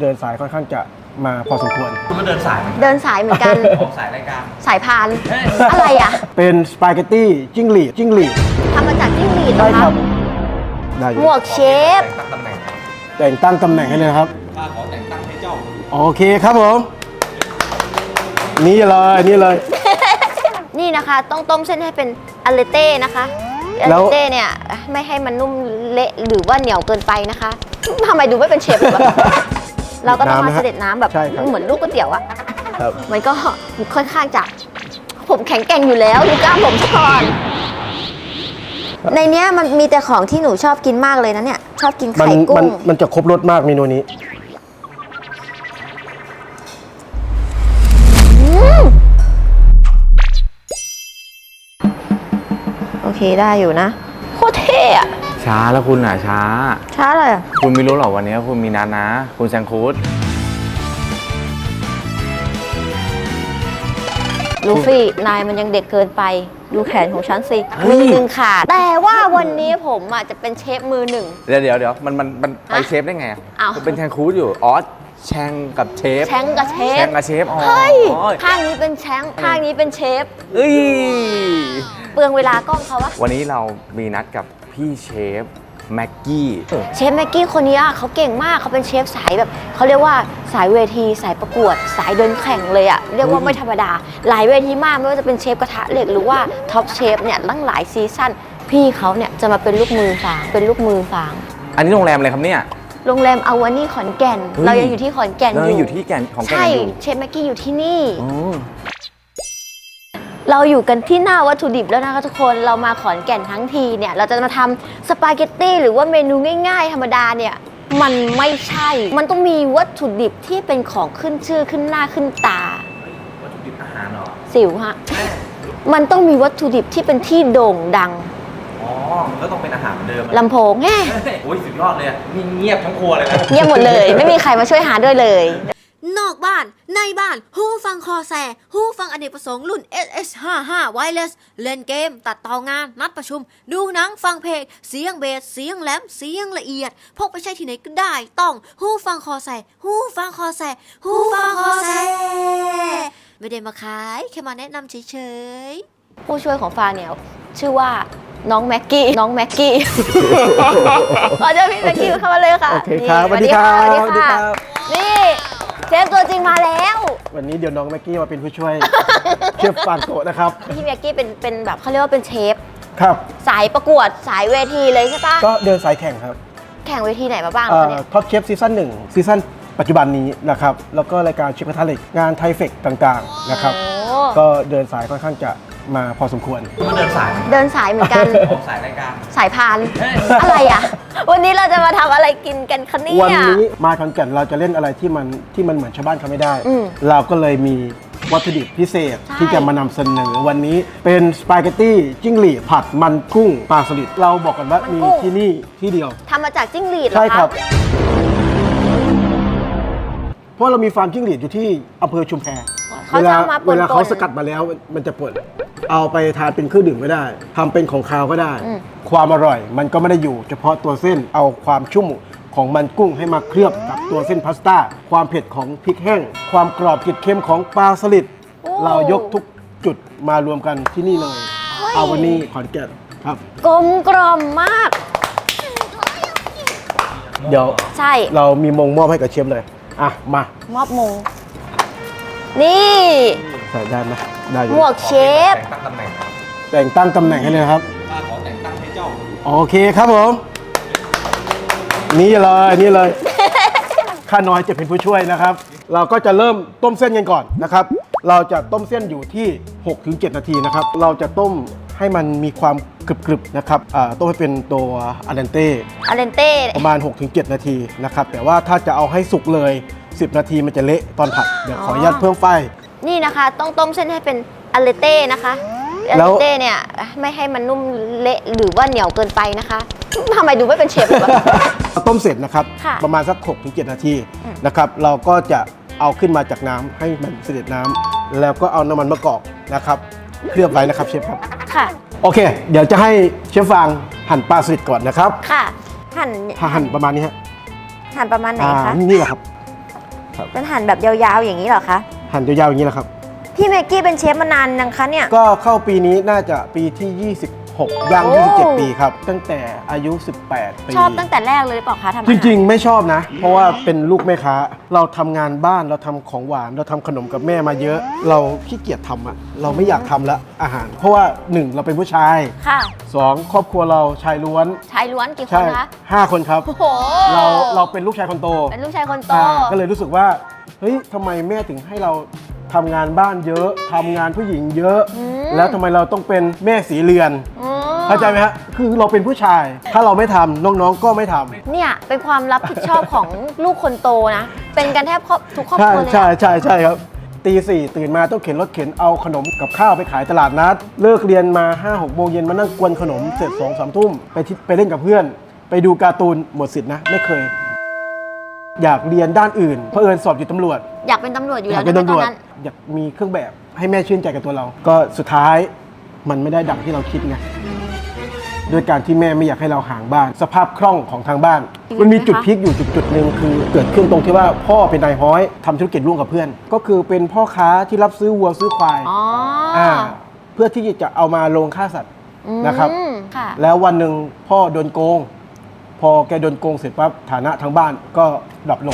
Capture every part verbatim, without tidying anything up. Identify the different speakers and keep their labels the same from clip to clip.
Speaker 1: เดินสายค่อนข้างจะมาพอสมควร
Speaker 2: คุณก็เดินสาย
Speaker 3: เดินสายเหมือนกัน
Speaker 2: ของสายรายการ
Speaker 3: สายพานอะไรอ่ะ
Speaker 1: เป็นสปาเกตตี้จิ้งหรีดจิ้งหรีด
Speaker 3: ทำมาจากจิ้งหรีดเหร
Speaker 1: ใช่
Speaker 3: อ
Speaker 1: ค
Speaker 3: ค
Speaker 1: รั
Speaker 3: รั
Speaker 1: บบ ได้อยู่
Speaker 3: หมวกเชฟ
Speaker 2: ตั้งตำแหน่ง
Speaker 1: แต่งตั้งตำแหน่งให้เลยครับ
Speaker 2: ข้าขอแต่งตั้งให้เจ้า
Speaker 1: โอเคครับผมนี่เลยนี่เลย
Speaker 3: นี่นะคะต้องต้มเส้นให้เป็นอาเลเต้นะคะอาเลเต้เนี่ยไม่ให้มันนุ่มเละหรือว่าเหนียวเกินไปนะคะทำไมดูไม่เป็นเชฟแบบเราก็ต้องมาเสด็จน้ำแบบเหมือนลูกก๋วยเตี๋ยวอะมันก็ค่อนข้างจะผมแข็งแกร่งอยู่แล้วดูกล้ามผมซะก่อนในเนี้ยมันมีแต่ของที่หนูชอบกินมากเลยนะเนี่ยชอบกินไข่กุ้ง
Speaker 1: มันจะครบรสมากเมนูนี้
Speaker 3: โอเคได้อยู่นะโคตรเท่อะ
Speaker 2: ช้าแล้วคุณอ่ะช้า
Speaker 3: ช้าเลยอะ
Speaker 2: คุณไม่รู้หรอวันนี้คุณมีนัดนะคุณแซงคูด
Speaker 3: ลูฟี่นายมันยังเด็กเกินไปดูแขนของฉันสิมือหนึ่งขาดแต่ว่าวันนี้ผมอ่ะจะเป็นเชฟมือหนึ่ง
Speaker 2: เดี๋ยวเดี๋ยวเดี๋ยวมันมันมันไปเชฟได้ไง
Speaker 3: อ้าว
Speaker 2: เป็นแซงคูดอยู่อ๋อแชงกับเชฟ
Speaker 3: แชงกับเชฟ
Speaker 2: แชงกับเชฟอ๋อ
Speaker 3: เฮ้ยข้างนี้เป็นแชงข้างนี้เป็นเชฟ
Speaker 2: เอ้ย
Speaker 3: เปลืองเวลากล้องเขาวะ
Speaker 2: วันนี้เรามีนัดกับพี่เชฟแม็กกี้
Speaker 3: เชฟแม็กกี้คนนี้เขาเก่งมากเขาเป็นเชฟสายแบบเขาเรียกว่าสายเวทีสายประกวดสายเดินแข่งเลยอะเรียกว่าไม่ธรรมดาหลายเวทีมากไม่ว่าจะเป็นเชฟกระทะเหล็กหรือว่าท็อปเชฟเนี่ยตั้งหลายซีซั่นพี่เขาเนี่ยจะมาเป็นลูกมือฟางเป็นลูกมือฟาง
Speaker 2: อันนี้โรงแรมอะไรครับเนี่ย
Speaker 3: โรงแรมอาวานี่ขอนแก่นเรายังอยู่ที่ขอนแก่นอยู่
Speaker 2: เราอยู่ที่แก่นของแก่นอยู่
Speaker 3: ใช่เชฟแม็กกี้อยู่ที่นี่เราอยู่กันที่หน้าวัตถุดิบแล้วนะคะทุกคนเรามาขอนแก่นทั้งทีเนี่ยเราจะมาทำสปาเกตตี้หรือว่าเมนูง่ายๆธรรมดาเนี่ยมันไม่ใช่มันต้องมีวัตถุดิบที่เป็นของขึ้นชื่อขึ้นหน้าขึ้นตา
Speaker 2: วัตถุดิบอาหารเหรอ
Speaker 3: สิวฮะมันต้องมีวัตถุดิบที่เป็นที่โด่งดัง
Speaker 2: อ๋อมันก็ต้องเป็นอาหารเหมือนเดิม
Speaker 3: ลำโพงแง่
Speaker 2: โอ้ยสุดยอดเลยนี่เงียบทั้งครัวเลยนะ
Speaker 3: เงียบหมดเลยไม่มีใครมาช่วยหาด้วยเลย
Speaker 4: นอกบ้านในบ้านหูฟังคอแสหูฟังอเนกประสงค์รุ่น เอส เอส ห้าสิบห้า Wireless เล่นเกมตัดต่องานนัดประชุมดูหนังฟังเพลงเสียงเบสเสียงแหลมเสียงละเอียดพกไปใช้ที่ไหนก็ได้ต้องหูฟังคอแสหูฟังคอแสหูฟังคอแสไม่ได้มาขายแค่มาแนะนำเฉย
Speaker 3: ๆผู้ช่วยของฟางเนี่ยชื่อว่าน้องแม็กกี้น้องแม็กกี้ขอเชิญพี่แม็กกี้เข้ามาเลยค่ะ
Speaker 1: โอเคครับสวัสดีครับสวัสดีครับ
Speaker 3: นี่เชฟตัวจริงมาแล้ว
Speaker 1: วันนี้เดี๋ยวน้องแม็กกี้มาเป็นผู้ช่วยเชฟฟางโกะนะครับ
Speaker 3: พี่แม็กกี้เป็นเป็นแบบเขาเรียกว่าเป็นเชฟ
Speaker 1: ครับ
Speaker 3: สายประกวดสายเวทีเลยใช่ปะ
Speaker 1: ก็เดินสายแข่งครับ
Speaker 3: แข่งเวทีไหนมาบ้าง
Speaker 1: เนี่ยท็อปเชฟซีซั่นหนึ่งซีซั่นปัจจุบันนี้นะครับแล้วก็รายการเชฟกระทะเหล็กงานไทเฟกต่างๆนะครับก็เดินสายค่อนข้างจะมาพอสมควร
Speaker 2: คุณก็เดินสาย
Speaker 3: เดินสายเหมือนกัน
Speaker 2: ของสายรายการ
Speaker 3: สายพานอะไรอ่ะวันนี้เราจะมาทำอะไรกินกันคะเนี่ย
Speaker 1: วันนี้มาขอนแก่นเราจะเล่นอะไรที่มันที่มันเหมือนชาวบ้านเขาไม่ได้เราก็เลยมีวัตถุดิบพิเศษที่จะมานำเสนอวันนี้เป็นสปาเกตตี้จิ้งหรีดผัดมันกุ้งปลาสลิดเราบอกกันว่ามีที่นี่ที่เดียว
Speaker 3: ทำมาจากจิ้งหรีดเหรอ
Speaker 1: ใช่ครับเพราะเรามีฟาร์มจิ้งหรีดอยู่ที่อำเภอชุมแพเวลาเวลาเขาสกัดมาแล้วมันจะป่นเอาไปทานเป็นเครื่องดื่มก็ได้ทำเป็นของคาวก็ได้ความอร่อยมันก็ไม่ได้อยู่เฉพาะตัวเส้นเอาความชุ่มของมันกุ้งให้มาเคลือบกับตัวเส้นพาสต้าความเผ็ดของพริกแห้งความกรอบกลิ่นเค็มของปลาสลิดเรายกทุกจุดมารวมกันที่นี่เลยเอาวันนี้ขอนแก่นครับ
Speaker 3: กลมกล่อมมาก
Speaker 1: เดี๋ยว
Speaker 3: ใช่
Speaker 1: เรามีมงมอบให้กับเชฟเลยอ่ะมาม
Speaker 3: อบมงนี่
Speaker 1: ใส่ได้ไหมได้
Speaker 3: หมวกเชฟ
Speaker 1: แต่งตั้งตำแหน่งให้เลยครับ
Speaker 2: ข้าขอแต่งตั้งให้เจ้า
Speaker 1: โอเคครับผมนี่เลยนี่เลยข้าน้อยจะเป็นผู้ช่วยนะครับเราก็จะเริ่มต้มเส้นกันก่อนนะครับเราจะต้มเส้นอยู่ที่ หกถึงเจ็ด นาทีนะครับเราจะต้มให้มันมีความกรึบๆนะครับต้มให้เป็นตัวอาเลนเต้
Speaker 3: อาเลนเต้
Speaker 1: ประมาณ หกถึงเจ็ด นาทีนะครับแต่ว่าถ้าจะเอาให้สุกเลยสิบนาทีมันจะเละตอนผัดเดี๋ยวขออนุญาตเพิ่มไฟ
Speaker 3: นี่นะคะต้องต้มเส้นให้เป็นอาเลเต้นะคะอาเลเต้เนี่ยไม่ให้มันนุ่มเละหรือว่าเหนียวเกินไปนะคะทำไมดูไม่เป็นเชฟแบบ
Speaker 1: ต้มเสร็จนะครับประมาณสัก หกถึงเจ็ด นาทีนะครับเราก็จะเอาขึ้นมาจากน้ำให้มันเสด็จน้ำแล้วก็เอาน้ำมันมะกอกนะครับเคลือบไว้นะครับเชฟครับ
Speaker 3: ค่ะ
Speaker 1: โอเคเดี๋ยวจะให้เชฟฟางหั่นปลาสลิดก่อนนะครับ
Speaker 3: ค่ะหั่น
Speaker 1: หั่นประมาณนี้ฮะ
Speaker 3: หั่นประมาณไหนคะ
Speaker 1: นี่แหละครับครับ
Speaker 3: เป็นหั่นแบบยาวๆอย่างนี้เหรอคะ
Speaker 1: หั่นยาวๆอย่างนี้แหละครับ
Speaker 3: พี่เมกกี้เป็นเชฟมานานยังคะเนี่ย
Speaker 1: ก็เข้าปีนี้น่าจะปีที่ ยี่สิบหก ย่าง
Speaker 3: โอ้
Speaker 1: ยี่สิบเจ็ด ปีครับ ตั้งแต่อายุ สิบแปด ปี
Speaker 3: ชอบตั้งแต่แรกเลยหรือเปล่าคะทำอาหา
Speaker 1: จริงๆ ไม่ชอบนะ เพราะว่าเป็นลูกแม่ค้า เราทำงานบ้านเราทำของหวานเราทำขนมกับแม่มาเยอะ เราขี้เกียจทำอะเราไม่อยากทำละอาหาร เพราะว่าหนึ่งเราเป็นผู้ชาย
Speaker 3: ค่ะ
Speaker 1: สองครอบครัวเราชายล้วน
Speaker 3: ชายล้วนกี่ค
Speaker 1: ใช่
Speaker 3: นคะ
Speaker 1: ห้าคนครับ
Speaker 3: โอ้โห
Speaker 1: เราเราเป็นลูกชายคนโต
Speaker 3: เป็นลูกชายคนโต
Speaker 1: อ่าก็เลยรู้สึกว่าเฮ้ยทำไมแม่ถึงให้เราทำงานบ้านเยอะทำงานผู้หญิงเยอะ
Speaker 3: อืม
Speaker 1: แล้วทำไมเราต้องเป็นแม่สีเรือน
Speaker 3: อืม
Speaker 1: เข้าใจไหมฮะคือเราเป็นผู้ชาย ถ้าเราไม่ทำน้องๆก็ไม่ทำ
Speaker 3: เนี่ยเป็นความรับผิดชอบของลูกคนโตนะ เป็นกันแทบครอบทุกครอบ
Speaker 1: ใช่
Speaker 3: ครัวเลย
Speaker 1: ใช่
Speaker 3: อะ
Speaker 1: ใช่ใช่ครับตีสี่ตื่นมาต้องเข็นรถเข็นเอาขนมกับข้าวไปขายตลาดนัด เลิกเรียนมา5้าหกโมงเย็นมานั่งกวนขนมเสร็จสองสามทุ่มไปที่ไปเล่นกับเพื่อน ไปดูการ์ตูนหมดสิทธินะไม่เคย อยากเรียนด้านอื่นเพราะเอิญสอบอยู่ตำรวจ
Speaker 3: อยากเป็นตำรวจอยู่
Speaker 1: อ
Speaker 3: แล้
Speaker 1: ยาว กเป็น
Speaker 3: ใช่ไหม
Speaker 1: ตำร
Speaker 3: ตอ
Speaker 1: วจ
Speaker 3: นนั้น
Speaker 1: อยากมีเครื่องแบบให้แม่ชื่นใจกับตัวเรา ก็สุดท้ายมันไม่ได้ดังที่เราคิดไงด้วยการที่แม่ไม่อยากให้เราห่างบ้าน สภาพคล่องของทางบ้าน มันมีจุดพีคอยู่จุดจุดหนึ่งคือเกิดขึ้นตรงที่ว่าพ่อเป็นนายฮ้อยทำธุรกิจร่วมกับเพื่อน ก็คือเป็นพ่อค้าที่รับซื้อวัวซื้อควาย
Speaker 3: อ๋อ
Speaker 1: อ่าเพื่อที่จะเอามาลงฆ่าสัตว์
Speaker 3: อืม
Speaker 1: นะครับ
Speaker 3: ค่ะ
Speaker 1: แล้ววันหนึ่งพ่อโดนโกง พอแกโดนโกงเสร็จปั๊บฐานะทางบ้านก็ดรอปลง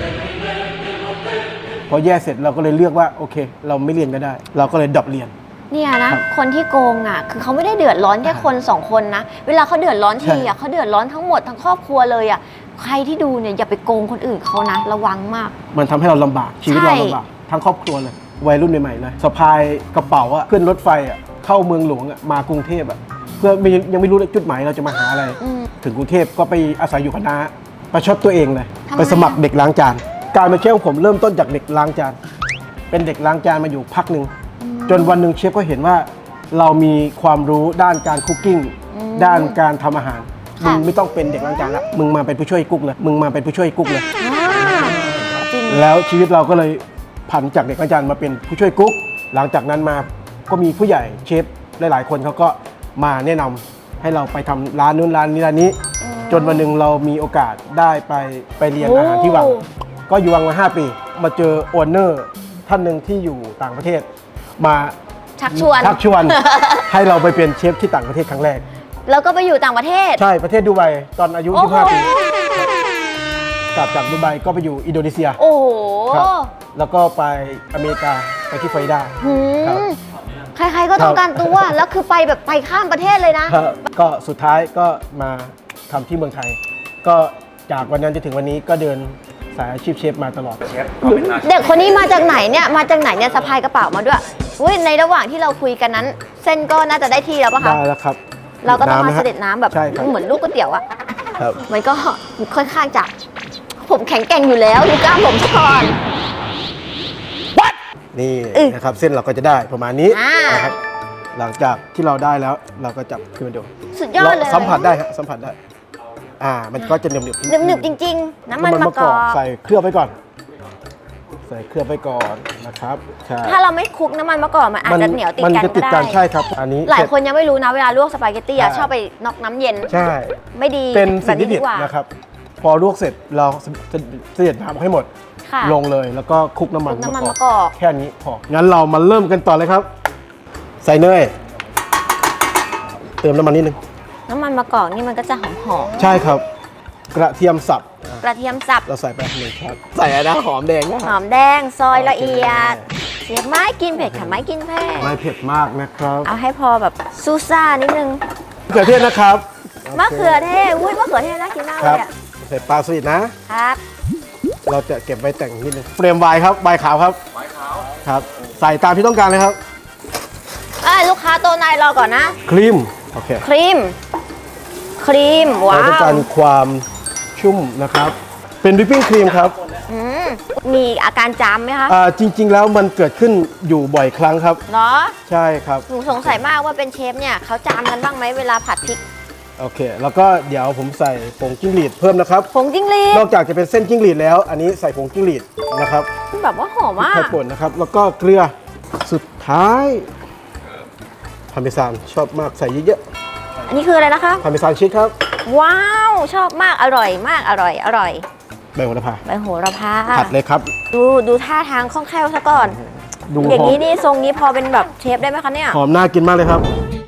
Speaker 1: พอแย่เสร็จเราก็เลยเลือกว่าโอเค เราไม่เรียนก็ได้ เราก็เลยดรอปเรียน
Speaker 3: เนี่ยนะ
Speaker 1: ครับ
Speaker 3: คนที่โกงอ่ะ คือเขาไม่ได้เดือดร้อนแค่คนสองคนนะ เวลาเขาเดือดร้อนที
Speaker 1: ใช่
Speaker 3: อ่ะเขาเดือดร้อนทั้งหมดทั้งครอบครัวเลยอ่ะ ใครที่ดูเนี่ยอย่าไปโกงคนอื่นเขานะ ระวังมาก
Speaker 1: มันทำให้เราลำบากชีวิต
Speaker 3: ใช่
Speaker 1: เราลำบากทั้งครอบครัวเลยวัยรุ่นใหม่ๆเลยสะพายกระเป๋าอะขึ้นรถไฟอะเข้าเมืองหลวงอะมากรุงเทพอะเพื่อไม่ยังไม่รู้เลยจุดหมายเราจะมาหาอะไร
Speaker 3: อืม
Speaker 1: ถึงกรุงเทพก็ไปอาศัยอยู่กับน้าประชดตัวเองเลย
Speaker 3: ทำไม
Speaker 1: ไปสมัครเด็กล้างจาน การเป็นเชฟของผมเริ่มต้นจากเด็กล้างจาน เป็นเด็กล้างจานมาอยู่พักหนึ่งจนวันหนึ่งเชฟก็เห็นว่าเรามีความรู้ด้านการคุกกิ้งด้านการทำอาหารมึงไม่ต้องเป็นเด็กล้างจานละมึงมาเป็นผู้ช่วยกุ๊กเลยมึงมาเป็นผู้ช่วยกุ๊กเลย
Speaker 3: อ่าจริง
Speaker 1: แล้วชีวิตเราก็เลยผันจากเด็กอาจารย์มาเป็นผู้ช่วยกุ๊ก หลังจากนั้นมาก็มีผู้ใหญ่เชฟหลายๆคนเขาก็มาแนะนำให้เราไปทำร้านนู้นร้านนี้ร้านนี้ จนวันหนึ่งเรามีโอกาสได้ไปไปเรียนอาหารที่วัง ก็อยู่วังมาห้าปี มาเจอโอนเนอร์ท่านหนึ่งที่อยู่ต่างประเทศ มา
Speaker 3: ชักชวน
Speaker 1: ชักชวน ให้เราไปเป็นเชฟที่ต่างประเทศครั้งแรก
Speaker 3: แล้วก็ไปอยู่ต่างประเทศ
Speaker 1: ใช่ประเทศดูไบตอนอายุ
Speaker 3: โอ้
Speaker 1: ยี่สิ
Speaker 3: โห
Speaker 1: บห้าปีกลับจากดูไบก็ไปอยู่อินโดนีเซีย
Speaker 3: โอ้โห
Speaker 1: ครับแล้วก็ไปอเมริกาไปที่ฟลอริดา
Speaker 3: หื
Speaker 1: ครับ
Speaker 3: มใครๆก็ต้องการตัว แล้วคือไปแบบไปข้ามประเทศเลยนะ
Speaker 1: ครับก็สุดท้ายก็มาทำที่เมืองไทย ก็จากวันนั้นจนถึงวันนี้ก็เดินสายอาชีพเชฟมาตลอด
Speaker 3: เด็กคนนี้มาจากไหนเนี่ย มาจากไหนเนี่ยสะพายกระเป๋ามาด้วยอุ้ยในระหว่างที่เราคุยกันนั้น เส้นก็น่าจะได้ที่แล้วปะคะ
Speaker 1: ได้แล้วครับ
Speaker 3: เราก็ต้องมา
Speaker 1: นะ
Speaker 3: เส
Speaker 1: ฮะ
Speaker 3: ด็จน้ำแบบ
Speaker 1: ใช่ครับ
Speaker 3: เหมือนลูกก๋วยเตี๋ยวอะ
Speaker 1: ครับ
Speaker 3: มันก็ค่อนข้างจะผมแข็งแกร่งอยู่แล้วดูกล้ามผมซะก่อน
Speaker 1: นี่
Speaker 3: อึ
Speaker 1: นะครับเส้นเราก็จะได้ประมาณนี้
Speaker 3: อ่าน
Speaker 1: นะครับหลังจากที่เราได้แล้วเราก็จับขึ้นมาดู
Speaker 3: สุดยอดเลย
Speaker 1: ราสัมผัสได้ฮะสัมผัสได้ อ่ามันก็จะเหนียวหนึบ
Speaker 3: หนึบหนึบๆจริง ๆ น้ำมันมะกอก
Speaker 1: ใส่เคลือบไว้ก่อน ใส่เคลือบไว้ก่อนนะครับใช่
Speaker 3: ถ้าเราไม่คลุกน้ำมันมะกอกมันอาจจะเหนียวติด
Speaker 1: มัน
Speaker 3: กัน
Speaker 1: จะติ
Speaker 3: ก็
Speaker 1: ด
Speaker 3: ได้
Speaker 1: กันใช่ครับ อันนี้
Speaker 3: หลาย
Speaker 1: เสร็จ
Speaker 3: คนยังไม่รู้นะเวลาลวกสปาเกตตี้อะ
Speaker 1: ใช่
Speaker 3: ชอบไปนอกน้ำเย็น
Speaker 1: ใช่
Speaker 3: ไม่ดี
Speaker 1: เป็น
Speaker 3: แบ
Speaker 1: สิ่
Speaker 3: บ
Speaker 1: ง
Speaker 3: นี้
Speaker 1: ที่
Speaker 3: ดี
Speaker 1: ผิด
Speaker 3: กว่า
Speaker 1: นะครับ พอลวกเสร็จเราจะเสด็จน้ำให้หมด
Speaker 3: ค่ะ
Speaker 1: ลงเลยแล้วก็คลุกน้ำมัน
Speaker 3: คลุกน้ำมัน
Speaker 1: มะ
Speaker 3: มะ
Speaker 1: ก
Speaker 3: ก
Speaker 1: อ
Speaker 3: อก ก
Speaker 1: แค่นี้พอ งั้นเรามาเริ่มกันต่อเลยครับ ใส่เนยเติมน้ำมันนิดนึง
Speaker 3: น้ำมันมะกอกนี่มันก็จะหอม
Speaker 1: ใช่ครับ กระเทียมสับ
Speaker 3: ๆกระเทียมสับ
Speaker 1: เราใส่ไปหนึ่งครับใส่อะไรนะหอมแดงนะ
Speaker 3: หอมแดงซอยละเอียดเสียบไม้กินเผ็ดค่ะไม้กินเผ็ด
Speaker 1: ไม่เผ็ดมากนะครับ
Speaker 3: เอาให้พอแบบซูซ่านิดนึง
Speaker 1: มะเขือเทศนะครับ
Speaker 3: มะเขือเทศอุ้ยมะเขือเทศน่ากินมาก
Speaker 1: ค
Speaker 3: เล
Speaker 1: รับ
Speaker 3: ยอ่ะ
Speaker 1: ใส่ปลาสลิดนะ
Speaker 3: ครับ
Speaker 1: เราจะเก็บไว้แต่งนิดนึงเฟรมไวน์ครับไวน์ขาวครับไวน์ขาวครับ ใส่ตามที่ต้องการเลยครับ
Speaker 3: เอ้ยลูกค้าโตัวนายรอก่อนนะ
Speaker 1: ครีมโอเค
Speaker 3: ครีม ครีม ว้า
Speaker 1: เราต้อง
Speaker 3: ว
Speaker 1: การความชุ่มนะครับ เป็นวิปปิ้งครีมครับ
Speaker 3: อืมมีอาการจามไหมคะ
Speaker 1: อ่าจริง ๆ แล้วมันเกิดขึ้นอยู่บ่อยครั้งครับ
Speaker 3: เหรอ
Speaker 1: ใช่ครับ
Speaker 3: หนูสงสัยมากว่าเป็นเชฟเนี่ยเขาจามกันบ้างไหมเวลาผัดพริก
Speaker 1: โอเค แล้วก็เดี๋ยวผมใส่ผงจิ้งหรีดเพิ่มนะครับ
Speaker 3: ผงจิ้งหรี
Speaker 1: น
Speaker 3: ด
Speaker 1: อกจากจะเป็นเส้นจิ้งหรีดแล้ว อันนี้ใส่ผงจิ้งหรีดนะครับ
Speaker 3: แบบว่าหอมมาก
Speaker 1: ไข่ป่นนะครับ แล้วก็เกลือสุดท้ายพาร์เมซานชอบมากใส่เยอะ
Speaker 3: อันนี้คืออะไรนะคะ
Speaker 1: ๆพาร์เมซานชีสครับ
Speaker 3: ว้าว ชอบมากอร่อยมากอร่อยอร่อย
Speaker 1: ใบโหระพา
Speaker 3: ใบโหระพา
Speaker 1: ผัดเลยครับ
Speaker 3: ดูดูท่าทางคล่องแคล่วซะก่อน
Speaker 1: ดู
Speaker 3: อย่าง
Speaker 1: หอ
Speaker 3: นี้
Speaker 1: ม
Speaker 3: นี่ทรงนี้พอเป็นแบบเชฟได้ไหมคะเนี่ย
Speaker 1: หอมน่ากินมากเลยครับ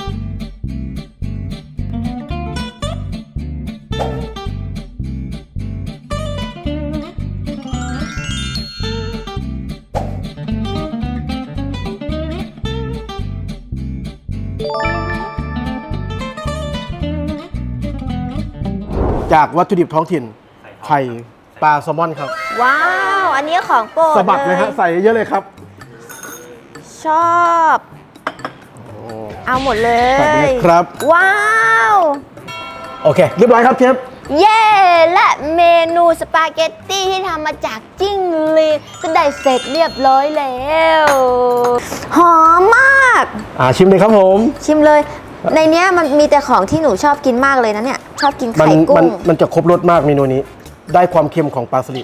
Speaker 1: จากวัตถุดิบท้องถิ่นไข่ปลาแซลมอนครับ
Speaker 3: ว้าว อันนี้ของโปรด
Speaker 1: สะบัดเลยฮะใส่เยอะเลยครับ
Speaker 3: ชอบ เอาหมดเล
Speaker 1: ใส่ไป
Speaker 3: ย
Speaker 1: เลยครับ
Speaker 3: ว้าว
Speaker 1: โอเค เรียบร้อยครับเชฟ
Speaker 3: เย้ และเมนูสปาเกตตี้ที่ทำมาจากจิ้งหรีดก็ได้เสร็จเรียบร้อยแล้ว หอมมาก
Speaker 1: อ่าชิมเลยครับผม
Speaker 3: ชิมเลย ในเนี้ยมันมีแต่ของที่หนูชอบกินมากเลยนะเนี่ย ชอบกิน
Speaker 1: มั
Speaker 3: ไข่กุ้
Speaker 1: มั
Speaker 3: ง
Speaker 1: มันจะครบรสมากเมนูนี้ ได้ความเค็มของปลาสลิด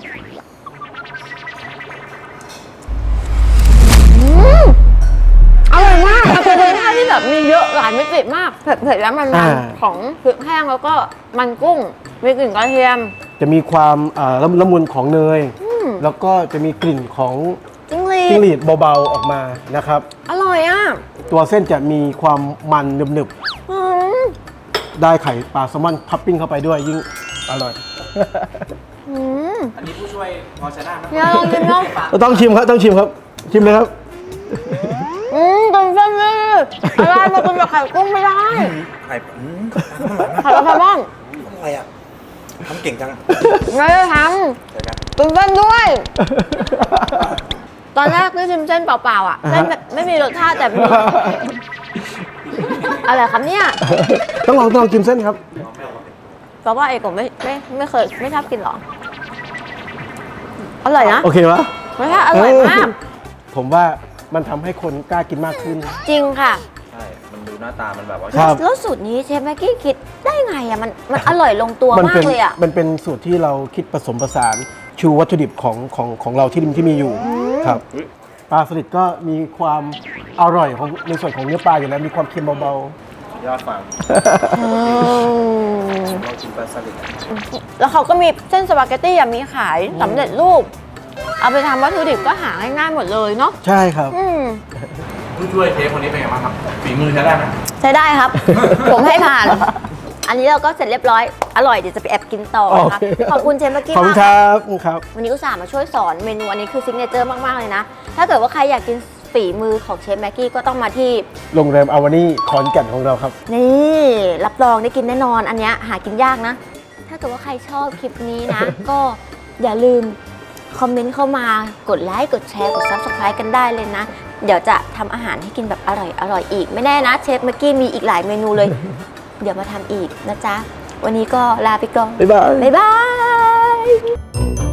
Speaker 3: อร่อยมากมันเป็นรสชาติที่แบบมีเยอะหลายมิติมาก เผ็ดๆแล้วมันมันของพริกแห้งแล้วก็มันกุ้ง มีกลิ่นกระเทียม
Speaker 1: จะมีความเอ่อละมุนละมุนของเนย แล้วก็จะมีกลิ่นของ
Speaker 3: จิ้งหรี
Speaker 1: จิ้งห
Speaker 3: ด
Speaker 1: รีดเบาๆออกมานะครับ
Speaker 3: อร่อยอ่ะ
Speaker 1: ตัวเส้นจะมีความมันหนึบ
Speaker 3: อืม
Speaker 1: ๆ ได้ไข่ปลาแซลมอนท็อปปิ้งเข้าไปด้วยยิ่งอร่อย
Speaker 3: อืม
Speaker 2: อันนี้ผู้ช่วยพอชนะไหม
Speaker 3: เดี๋ยวลองกินเนาะ
Speaker 1: ต้องชิมครับต้องชิมครับ ชิมเลยครับ
Speaker 3: อืมตรงเส้นนี่อะไรมากินกับไข่กุ้งไม่ได้
Speaker 2: ไข่อืม
Speaker 3: ไข่ปลาแซลมอน
Speaker 2: อะไรอ่ะทำเก่งจัง
Speaker 3: ไม่ได้ท
Speaker 2: เดี๋ยวนะ
Speaker 3: ำกินเส้นด้วย ตอนแรกนี่ชิมเส้นเปล่าๆอ่ะ
Speaker 1: อ่าฮะ
Speaker 3: เส้นแบบไม่มีรสชาติแต่มีอะไรครับเนี่ย
Speaker 1: ต้องลองต้องลองกินเส้นครับ
Speaker 3: เพราะว่าเอกผมไม่ไม่ไม่เคยไม่ชอบกินหรอ อร่อยนะ
Speaker 1: โอเควะ
Speaker 3: รสชาติอร่อยมาก
Speaker 1: ผมว่ามันทำให้คนกล้ากินมากขึ้น
Speaker 3: จริงค่ะ
Speaker 2: ใช่ มันดูหน้าตามันแบบว่า
Speaker 1: ครับ
Speaker 3: แล้วสูตรนี้เชฟแม็กกี้คิดได้ไงอ่ะมันมันอร่อยลงตัว
Speaker 1: มั
Speaker 3: มา
Speaker 1: เป็
Speaker 3: ก
Speaker 1: น
Speaker 3: เลยอ่ะ
Speaker 1: มันเป็นสูตรที่เราคิดผสมผสานชูวัตถุดิบของของของเราที่ที่มีอยู่ครับปลาสลิดก็มีความอร่อยของในส่วนของเนื้อปลาอยู่แล้วมีความเค็มเบา
Speaker 2: ยอดฟัง
Speaker 3: อืม
Speaker 2: เรากินปลาสลิดอะ
Speaker 3: แล้วเขาก็มีเส้นสปาเกตตี้อะมีขายสำเร็จรูป เอาไปทำวัตถุดิบก็หาง่ายๆหมดเลยเนาะ
Speaker 1: ๆ ใช่ครับ
Speaker 3: อืม
Speaker 2: ผู้ช่วยเชฟคนนี้เป็นไงบ้างครับฝีมือใช้ได้ไหม
Speaker 3: ใช้ได้ครับ ผมให้ผ่าน อันนี้เราก็เสร็จเรียบร้อย อร่อยเดี๋ยวจะไปแอบกินต่อนะคะ
Speaker 1: โอเค
Speaker 3: ขอบคุณเชฟเมื่อกี้
Speaker 1: ขอบคุณ
Speaker 3: มาก
Speaker 1: ค
Speaker 3: ค่ะ
Speaker 1: รับขอบคุณครับ
Speaker 3: วันนี้อุตส่าห์มาช่วยสอนเมนูอันนี้คือซิกเนเจอร์มาก ๆ เลยนะ ถ้าเกิดว่าใครอยากกินฝีมือของเชฟแม็กกี้ก็ต้องมาที่
Speaker 1: โรงแรมอาวานี่ขอนแก่นของเราครับ
Speaker 3: นี่ รับรองได้กินแน่นอน อันเนี้ยหากินยากนะ ถ้าเกิดว่าใครชอบคลิปนี้นะ ก็อย่าลืมคอมเมนต์เข้ามากดไลค์กดแชร์กด ซับสไครบ์ กันได้เลยนะ เดี๋ยวจะทำอาหารให้กินแบบอร่อยอร่อยอีก ไม่แน่นะเชฟแม็กกี้มีอีกหลายเมนูเลย เดี๋ยวมาทำอีกนะจ๊ะ วันนี้ก็ลาไปก่อน
Speaker 1: บ๊ายบาย
Speaker 3: บ๊ายบาย